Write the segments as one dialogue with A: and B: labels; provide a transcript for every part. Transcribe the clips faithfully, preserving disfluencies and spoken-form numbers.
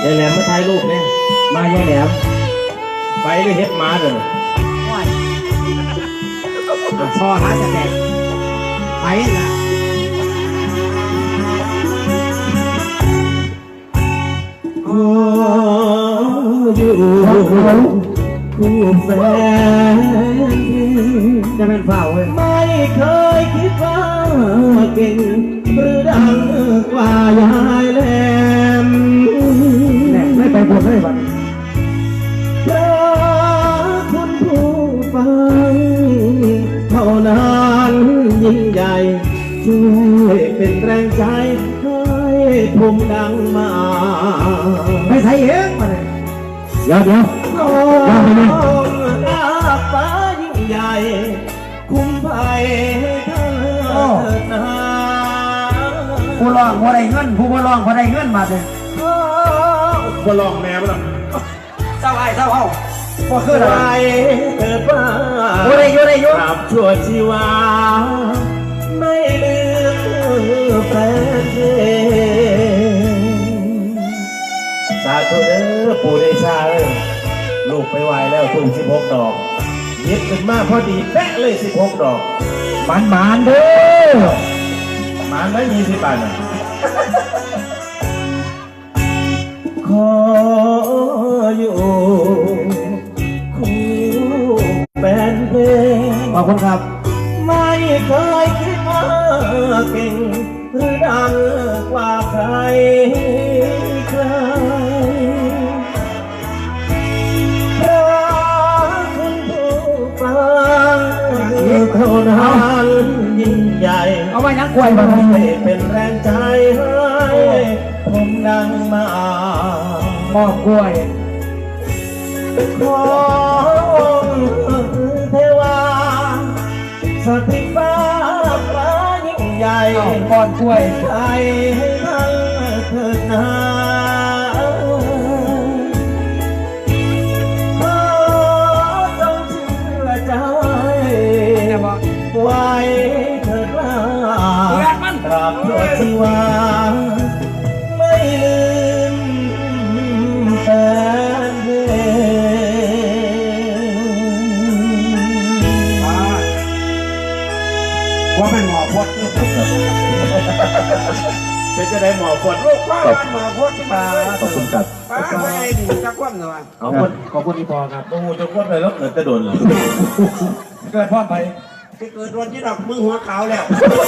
A: ยายแหลมมาถ่ายรูปเนี่ยมายายแหลมไปเลยเฮ็ดมาเลย
B: ซอหาแสดงไปนะ
A: ขออยู่คู่แฟน
B: จะเป็นเฝ้าเว้ย
A: ไม่เคยคิดว่าเก่งหรือดังกว่ายายแหลม
B: ไม่ไปบวชเลยบัด
A: เพราะคุณผู้ฟังเท่านั้นยิ่งใหญ่ช่วยเป็นแรงใจให้ผมดังมา
B: ไปใส่เองมาเลย
A: เดี๋ยวเดี๋ยวน้องรักฟ้ายิ่งใหญ่คุ้มภัยเธอนา
B: ผู้ร้องผู้ได้เงินผู้ผู้ร้องผู้ได้เงินมาเลย
A: ผู้ร้องแม่บ้าง
B: เศร้าไอ้เศร้าเอาพอคืออะไร
A: เกิดว่า
B: ผู้ได้ยุ่ได้ยุ่
A: รับชั่วชีวาไม่ลืมแฟนเพลงสาธุเด้อปู่เดชาเอ้ยลูกไปไหวแล้วทุ่งสิบหกดอกยึดขึ้นมาพอดีแป๊ะเลยสิบหกดอก
B: มันมันเด้อ
A: มันไม่มีสิบบาทนะขออยู่คู่แฟนเพลง
B: ขอบคุณครับ
A: ไม่เคยคิดว่าเก่งหรือดังกว่าใครใครเพราะคุณผู้ฟังเท่านั้นยิ่งใหญ่
B: เอาไว้นักกล้วยมา
A: ให้เป็นแรงใจให้ผมดังมาม
B: อบกล้วย
A: ขอองค์เทวาสถิตฟ้าฟ้ายิ่งใหญ่
B: ก่อนกล้วย
A: ใจให้ทั้งเถิดนาขอจงเชื่อใจไว้เถิดว่าตราบชั่วชีวาไม่ลืมแฟนเพลง
B: ว่าเป็นหมอพด
A: เป็นจะได้หมอพด
B: ลูกว่าหมอพดที่มา
A: ขอบคุณครับ
B: ป้าไม่ได้ดีจะคว่ำหน่อย
A: ขอบคุณขอบคุณอีพอครับโอ้โหจะคว่ำเลยแล้วเกิดจะโดนเลย
B: เกิดพ่อไปที่เกิดโดนที่ดอกมือหัวขาวแล้ว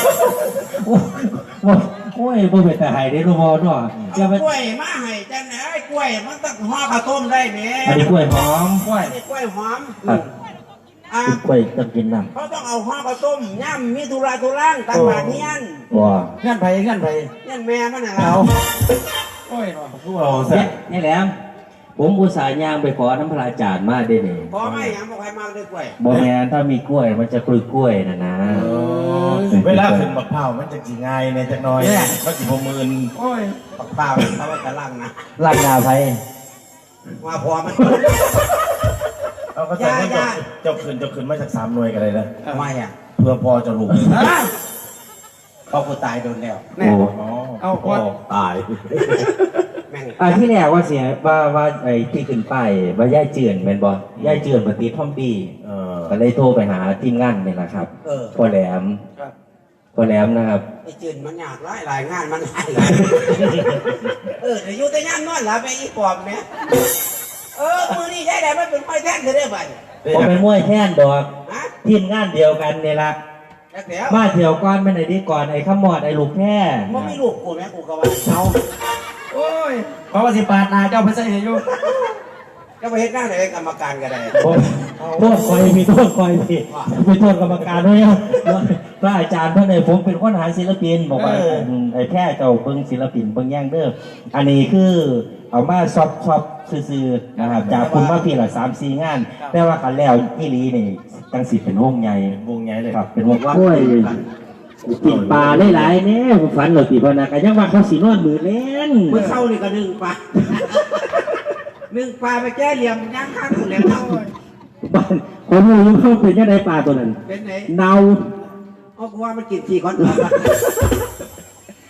C: โอ้ยบ่เป็นแต่หายได้รู้บ่เนาะ
B: จะไปกล้วยมาให้จังไหนกล้วยมันต้องห่อข้าวต้มได้แหม
C: อันนี้กล้วยหอม
B: กล้วยกล้วยหอม
C: อ่ากล้วยต้องกินน้
B: ำเขาต้องเอาห่อข้าวต้มย่ำมีธุระธุร่างตามบาดเงี้ยน
C: ว้า
B: เงี้ยนไผ่เงี้ยนไผ่เงี้ยนแม่มันน่ะเรา
A: โอ้ยเนาะพวกเราแซ่
C: นี่แหละผมอุตส่าห์ย่างไปขอน้ำพระอาจารย์มาได้นี่
B: ขอไม่ยังบอกใครมาด้วยกล้วย
C: บ่แม่นถ้ามีกล้วยมันจะกล้วยกล้วยนะนะ
A: เวลาขึ้นมะพร้าวมันจะจีง่ายในจักน้อยก็จีพมืน
B: โอ้ยมะพร้าวเขาว่าจะล่างนะ
C: ล่างนาไผ่
B: ว่าพอมัน
A: เอาก็ใส่ให้เจ้าขึ้นเจ้าขึ้นมาจากสามหน่วยกันเลยนะ
B: ทำไมอ่ะ
A: เพื่อพอจะรู้
B: เขากูตายโดนแล้ว
C: โอ้
A: เอาพอตาย
C: อ่าที่แรกว่าเสียว่าว่าไอ้ที่ขึ้นไปว่าย่ายเจือนเป็นบอย่ายเจือนปฏิท่อมดีก็เลยโทรไปหาทีมงานนี่แหละครับพอแหลมพอแหลมนะครับ
B: ไอ้เจือนมันยากหลายหลายงานมันหลายหลายเออแต่อยู่แต่งานนอนหลับไปอีปอบเนี่ยเออมือนี่ย่ายแหลมมันเป็นมวยแท่นจะได้บ่
C: ผมเป็นมวยแท่นดอกทีมงานเดียวกันนี่ละมาเที่ยวก่อนเป็นไอ้ดีก่อนไอ้ขมอดไอ้ลูกแค่
B: มันไม่ลูกกูแม่กูก็ว่าเอา
C: โอ้ยเพราะว่าสิปาดนาเจ้าไปใส่อยู่
B: ก็ไปเห็นหน้าไหนกรรมการกันเลย
C: โทษคอยมีโทษคอยมีไปโทษกรรมการด้วยพระอาจารย์เพื่อนเลยผมเป็นคนหาศิลปินบอกว่าไอ้แค่เจ้าเบิ้งศิลปินเบิ้งแย่งเด้ออันนี้คือเอามาซอฟซอฟซื่อๆนะครับจากคุณมาพี่ละสามสี่งานแต่ว่ากันแล้วอีลีนี่ตั้งสิบเป็นวงใหญ่
A: วงใหญ่เลย
C: ครับเป็นวงว่ากินปลาหลายๆเนี่ยฝันหลอดตีพนักกันยังว่าเขาสีนวดมือเล่น
B: มือเข้านี่ก็นึ่งปลานึ่งปลาไปแก้เหลี่ยมย่างข้างหมดแล้วเท่า
C: บ้านคนรู้เขาเป็นยังไงปลาตัวนั้น
B: เป็นไหน
C: เนา
B: เอากูว่ามันกินสี่คน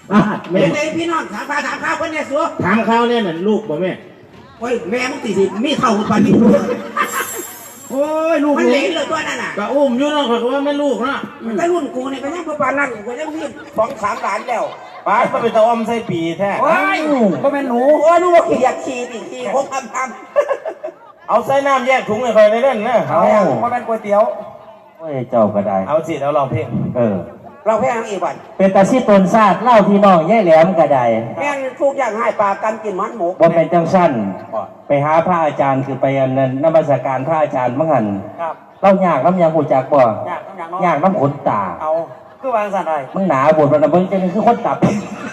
A: อ่ะแม่
B: เป็นไงพี่น้องถามข้าวถามข้าวคนเนี่ยสัว
A: ถามเขาเนี่ยน่ะลูกบ่แม่
B: โอ้ยแม่มึงตีสิมีเท่ากับปานนี้
A: โอ้ยลูก
B: มันเหลนเลยตัวนั่นน่ะ
A: ก็อุ้มอยู่เนาะเขาก็ว่าแม่ลูกเนาะ
B: แต่รุ่นกูนี่ก็ยังประมาณนั้นกูยังมีสองสามหลานแล้ว
A: ป้าก็ไปตะอมใส่ปีแท้
B: โอ้ยก็เป็นหนูโอ้ยลูกว่าขี้อยากขี้ดิขี้พกทำทำ
A: เอาใส่น้ำแยกถุงให้คอยได้เล่นนะ
B: เอาว่าเป็นก๋วยเตี๋ยว
C: โอ้ยเจ้าก็ได้
A: เอาสิเอาลองเพลง
C: เออ
B: เราแพ้ทั้งอีกวัน
C: เป็นตาซีตนซาดเล่าพี่น้องย่ายแหลมก็ได้
B: แม่งทุกอย่างให้ปลากันกินมันหมู
C: บ่เป็นจังสั้นไปหาพระอาจารย์คือไปอันนั้นนมัสการพระอาจารย์มั่งหัน
B: ครับ
C: เล่ายากน้ำยางหูจักบ่
B: อยากต้องอย่างน้อย
C: ยากน้ำขนตา
B: เอาคือวางสันอะไร
C: มึงหนาบวชมันนะมึงจะคือคนตับ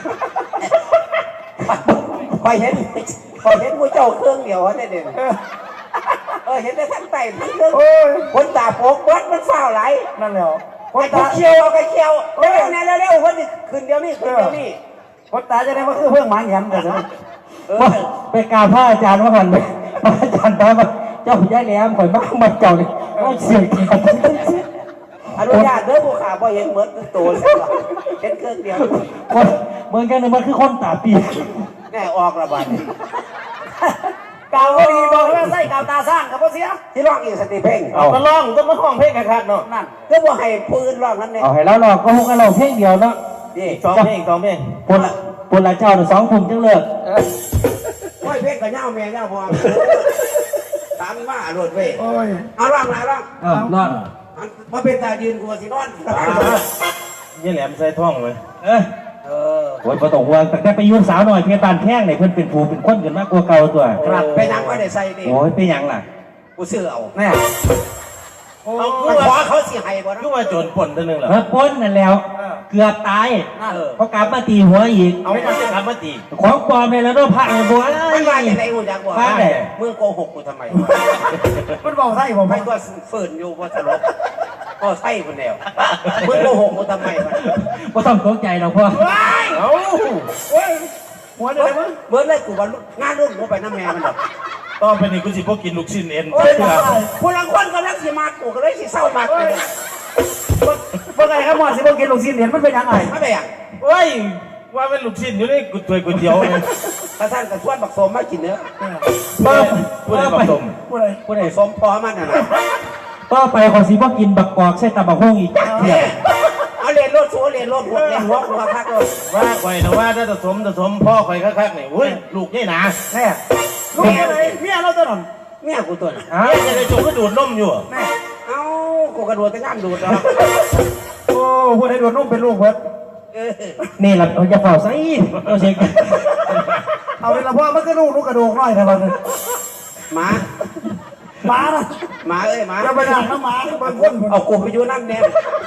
B: คอยเห็นคอยเห็นผู้เจ้าเครื่องเดียวได้เด่นเออเห็นแต่ทั้งไตทั้งเครื่องคนตาโปกวัดมันเฝ้าไหลนั่นแหละคนตาเคียวเอาไปเคียวเร็วๆเร็วๆคนนี้คืนเดียวนี่คืนเดียวนี่คนตาจะได้ว่าคือเพื่อนหมาแหยมกันนะเออ
C: ไปกราบพระอาจารย์มั่งหันไปพระอาจารย์ถามว่าเจ้าย่ายแหลมข่อยมากมาเจ้านี่ว่าเสียงขาด
B: อนุญาตเด้อผู้ขาบ่เห็นเหมือนตัวเห็นเครื่องเดียว
C: คนเมืองกันนึงมันคือคนตาปีก
B: แน่ออกระบาดกาวก็ดีบอกว่าใส่กาวตาสร้างกับพ่อเสียที่ร้องอีกสติเพ่ง
A: เอาก็ร้องต้องมาห้องเพลงกันครับเนาะ
B: นั่นก็ว่าให้ปืนร้องนั่นเอง
C: เอาให้เราหลอกก็ฮุกกันเราเพลงเดียวเนาะ
B: นี่
A: สองเพลงสองเพลง
C: ปนละปนละเจ้าสองทุ่มจังเลิก
B: โอ้ยเพ่งกับเงาแม่เงาพอตามมาโดดเว้ยเอาร้องนะร้อง
C: เออรอด
B: มาเป็นตายืนกลัวสินอน
A: ยี่แหลมใส่ท่องเลย
C: เออ
B: เออ
C: โอ้ยพอตกห่วงแต่แต่ไปยุ่งสาวหน่อยเพียงตานแข้งเนี่ยเพิ่นเป็นผู้เป็นคนกันมากกว่าเก่าตัว
B: ครับไปนั่งไว้ในใส่ดิ
C: โอ้ยเป็นหยังล่ะ
B: กูซื้อเอา
C: แม่
A: เอา
B: มัน
A: คือ
B: ขอ
A: ว่า
B: เขาสิให้บ่นะ
A: คือว่าโจรป่นตัวหนึงเหรอ
C: เออพ้นนั่นแล้ว เกือบตาย
B: เออ
C: เพราะกลับมาตีหัวอีก
A: เอาไม่ต้องจะทำมาตี
C: ของปลอมเลยแล้วด้วยพระเลยบัว
B: มันว่าอย่างไรกูอยากบอก
C: พระเลย
B: มึงโกหกกูทำไม
D: มันบอกใช่ผม
B: ไม่ก็ฝืนอยู่ว่าตลกก็ใช่คนเดียวมึงโกหกกูทำไมมัน
C: ก็ต้องตกใจหรอกพ่อ
A: เอา
B: เฮ้ย
D: หัวเดียวมึง
B: เบิร์ดเลยกูว่างานรุ่นกูไปน้ำแม่มันหรอก
A: ต่อไปนี่กูสิพวกกินลูกชิ้นเอ็น
B: โอ้ย
A: เพื่อ
B: คนละคนกำลังสิมากูก็เลยสิเศร้ามากเลย
D: เมื่อไงครับหมอสิบกินลูกชิ้นเหรียญมันเป็นยังไง
B: ไม่ไปอ่ะ
A: เฮ้ยว่าเป็นลูกชิ้นอยู่ในกุฏวยก๋วยเตี๋ยวเลย
B: ถ้าท่านกับชวนบักสมมากินเนื้อ
A: พูดอะไรพูดอะไรผสม
D: พูดเลย
C: ผู้ใด
B: บักสมพอมันน่ะนะ
C: ต่อไปขอสีบ่กินบักกอกใส่ตะบักฮงอีกเดี๋ยว
B: เอาเรียนรถชัวเรียนรถหัวเรียนหัวหัวพักเลย
A: ว่าข่อยนะว่าถ้าผสมผสมพ่อข่อยคักๆนี่อุ้ยลูกใหญ่หนา
D: แม่ลูกอะไรเมียเราตัวนั้น
B: เมียกูตัวน่ะ
C: อ้า
A: เฮ้ยจะได้จงก็ดูดนมอยู่อะ
D: แม่
B: เอ้ากูกระโดดแต่งามดูดแล้ว
D: โอ้พูดให้โดนนุ่มเป็นลูกเพิ่น
B: เออ
C: นี่ล่ะเราจะเฝ้าใส่เราเช็ค
D: เอาเป็นละพ่อมันก็ลูกลูกกระดูกน้อยนะมัน
B: หมา
D: หมานะ
B: หมาเอ้ยหมา
D: จะไปด่าน้ำหมาบางคน
B: เอากูไปอยู่น้ำแดง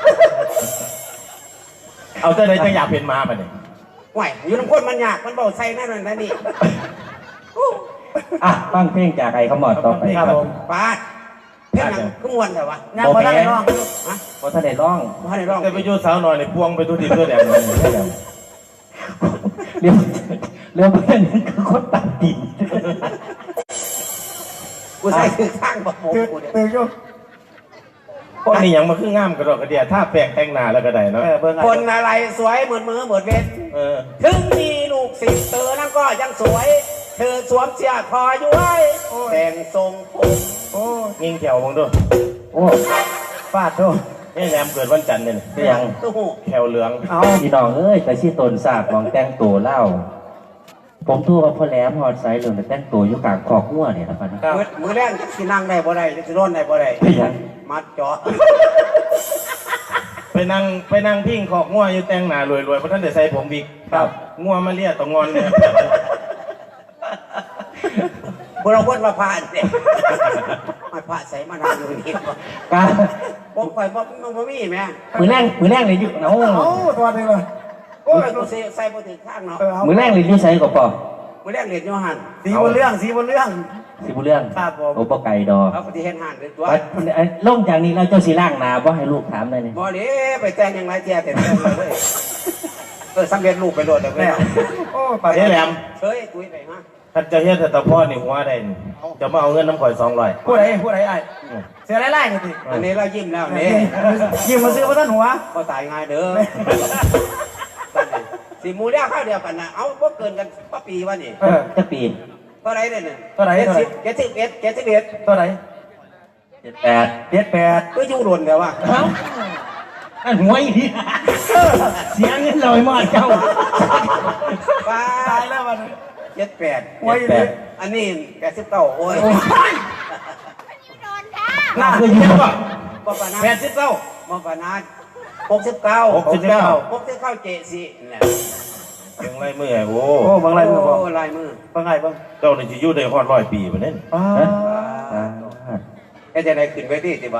A: เอาแต่ไหนจะอยากเป็นม้าปะเนี่ย
B: ไหวอยู่น้ำข้นมันยากมันเบาใส่นั่นนั่นนี่
C: อ่ะฟังเพลงจากไอ้ขมอดต่อไป
D: ครับผม
B: ปาดเพ่งหนังก็มวนแต่วะ
D: ยังมาได้น้อง
B: ฮะ
C: เพราะท่านได้ร้อง
B: มาได้ร้อง
A: แต่ไปอยู่สาวหน่อยนี่พวงไปทุดิบตัวแดงเลย
C: เรียวเรียวเพื่อนคือคนตัดดิน
B: กูใส่คือข้างบอกโม
D: ตื่น
B: กูเนี่ย
D: ตื่นอยู่
A: พวกนี้ยังมาคืองามกระดอกกระเดียถ้าแปลงแต่งหน้าแล้วก็ได้เนาะ
D: เออเบิ่ง
B: คนอะไรสวยเหมือนมือเหมือนเวท
A: เออ
B: ถึงมีลูกศิษย์เธอนั่นก็ยังสวย เธอสวมเสื้อคอย้วยแต่งทรงผม
D: โอ้
A: ยิงแขวมองดู
C: โอ้
D: ฟาดโต
A: นี่แหลมเกิดวันจันทร์เนี่ย
C: เป็นหยัง
B: ตู้หู
A: แขวเหลือง
D: เอา
C: พี่น้องเอ้ยแต่ชี่ตนสาบมองแต่งตัวเล่า ผมทั่วว่าพ่อแหลมฮอดไซเหลืองแต่แต่งตัวอยู่กลางคอกหัวเนี่ยนะครับ
B: มือมือแรกจะสินั่งได้บ่ได้จะร่นได้บ่ได้
C: เป็นหยัง
B: มัดเจาะ
A: ไปนั่งไปนั่งพิงขอกงัวอยู่แต่งหน้ารวยๆเพราะท่านได้ใส่ผมวิกครับงัวมาเลียตองงอนเนี่ย
B: บุเราพ้นมาผ่านเนี่ยมาผ่าใส่มานานอยู่นี่
C: กา
B: บอกไปบอกมันบ่มีแม่
C: มือแรงมือแรงเลยอยู่เนา
D: เอาตัวนึงเลย
B: โอ้ยกูใส่ใส่บ่ถึงข้างเนาะ
D: เออเอา
C: มือแรงเลยอยู่ใส่ก็พอ
B: มือแรกเรียนโยหัน
D: สีบนเรื่องสีบนเรื่อง
C: สิบุเรื่อง
D: ครับผม
C: โอ้ปไก่ดอก
B: เอาปฏิเห็นหันเลยตัว
C: ลงจากนี้เราเจ้าสีล่างนาบ่ให้ลูกถามได้เลย
B: บ่เด้ไปแต่งยังไงแจ้แต่แต่งเลยเออสำเร็จรูปไปโหลดเลย
D: แม่โอ้ไป
A: นี่แหลม
B: เฮ้ยตุ้ยไปฮะ
A: ท่านจะเฮ็ดแต่ตะพ่อนี่หัวได้นี่จะมาเอาเงินน้ำข่อยสองร้อย
D: ผู้ใดผู้ใดไอ้เสือไล่ๆนี่สิ
B: อันนี้เรายิ้มแล้วนี่
D: ยิ้มมาซื้อมาท่านหัว
B: ก็ตายง่ายเด้อสิหมูเลี้ยข้าวเดียวกันนะเอาพวกเกินกันป้าปีวะนี่
D: เออ
C: จะปี
B: เท่าไรเนี่ย
D: เท่าไหร่
B: เจ็ด
D: เท่าไหร่
B: สิบเจ็ดสิบเอ็ดเจ็ดสิบเอ็ด
D: เท่าไหร่
C: เจ็ดแปด
D: เจ็ดแปด
B: ก็ยุ่งหล่นเดี๋ยวว่า
C: เอ้าอันหัวอีกทีเสียเงินลอยมาเจ้า
B: ป้า
D: ตายแล้วมัน
B: เจ็ดแปด
D: ไว้เลย
B: อันนี้แปดสิบเก้าโอ้ย
C: น่าคือเยอะป่ะ
B: ป้าปานา
D: แปดสิบเก้า
B: ป้าปานาหกสิบเก้า
D: หกสิบเก้า
B: หกสิบเก้าเจสิเนี่ย
E: ยังไรเมื่อโอ้
D: โอ้บางไรมือบอก
B: โอ้ลายมือ
D: บางไงบ้าง
E: เจ้านี่จะอยู่ได้ฮอดร้อยปีปะเนี่ย
D: อ้า
C: อ่า
B: แค่จะได้ขึ้นไปที่ติบ